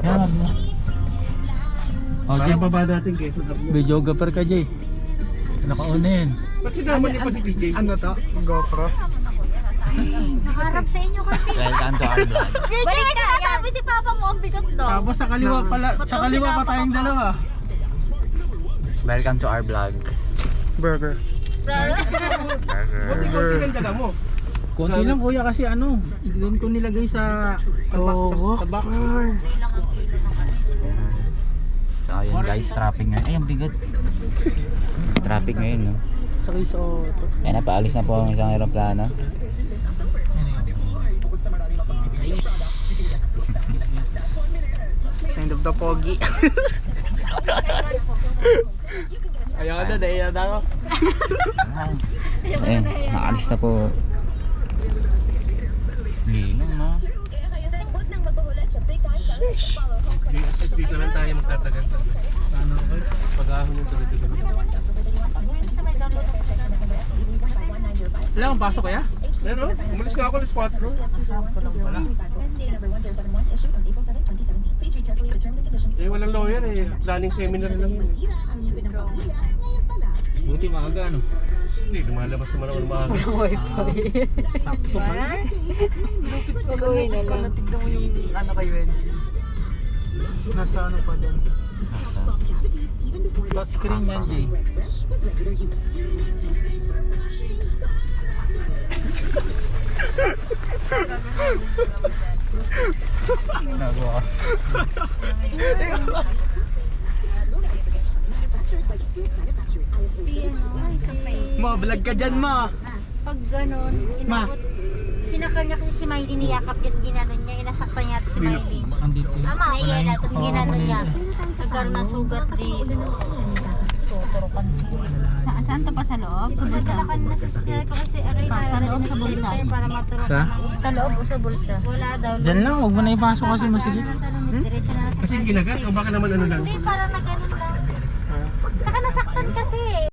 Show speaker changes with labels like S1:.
S1: Yan mo. Oh, Jay,
S2: Parang baba natin Quezon up mo.
S1: videographer ka, Jay. Nakaunin.
S2: Ba't sinama niya pa si PJ?
S3: Ano to? GoPro?
S4: Nakaharap sa inyo kasi.
S1: Welcome to our vlog.
S4: Balik ka, sinasabi si Papa mo, ang bigat daw.
S3: Tapos sa kaliwa pala, sa kaliwa pa tayong dalawa.
S1: Welcome to our vlog.
S3: Burger.
S2: Buti ko pinandala mo.
S3: Konti lang kuya kasi ano, doon ko nilagay sa box.
S1: So ayun guys, traffic ngayon. Ay, ang bigat. Traffic ngayon, no?
S3: Sakay sa auto.
S1: Yan na, paalis na po ang isang aeroplano.
S3: Sign of the pogi. Ayaw na, dahil na ako.
S1: Ayun, nakaalis na po. Lino, no?
S2: At dito lang tayo magtatagal. Ano ba? Pag-ahon yung tuloy-tuloy.
S3: Wala akong pasok kaya?
S2: Meron? Umalis nga ako alas 4. Wala. Eh, walang lawyer eh. Planning seminar lang yun.
S1: Buti maaga, no?
S2: Hindi, lumalabas naman ako ng maaga.
S3: Sakto pa. Tignan mo yung ano kay Wensi. Nasa ano pa din.
S1: Touchscreen yan, Jay. Nagawa ka.
S3: Ma, vlog ka dyan, ma.
S4: Pag ganun, inabot. Sinakal niya kasi si Miley, niyakap at ginanon niya, inasaktan niya si Miley.
S1: Andito.
S4: Tama, naiyan tapos ginanon niya. Nagkaroon ng sugat dito. Tuturukan siya. Saan to pa sa loob? Sa bulsa? Nadalakan na siya ko kasi aray sa loob sa bulsa. Para maturukan. Sa loob o sa bulsa? Wala daw.
S3: Dyan lang, huwag mo na ipasok kasi masigit.
S4: Diretso na sa
S2: Kasi ginagat o baka naman ano lang.
S4: Hindi, parang na ganun lang. Saka nasaktan kasi.